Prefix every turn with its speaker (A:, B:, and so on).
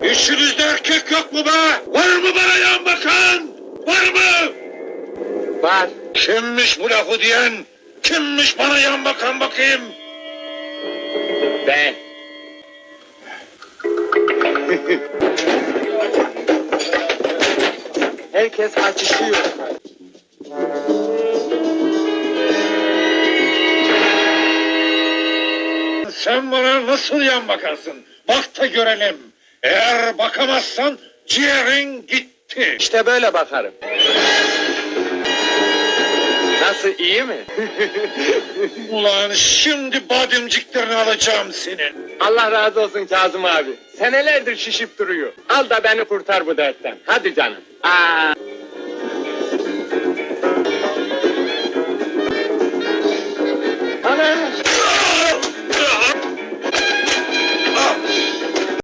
A: İçinizde erkek yok mu be? Var mı bana yan bakan? Var mı?
B: Var.
A: Kimmiş bu lafı diyen? Kimmiş bana yan bakan bakayım?
B: Ben. Herkes açışıyor.
A: Sen bana nasıl yan bakarsın? Bak da görelim. Eğer bakamazsan ciğerin gitti.
B: İşte böyle bakarım. Nasıl, iyi mi?
A: Ulan şimdi bademciklerini alacağım senin.
B: Allah razı olsun Kazım abi. Senelerdir şişip duruyor. Al da beni kurtar bu dertten. Hadi canım. Aa.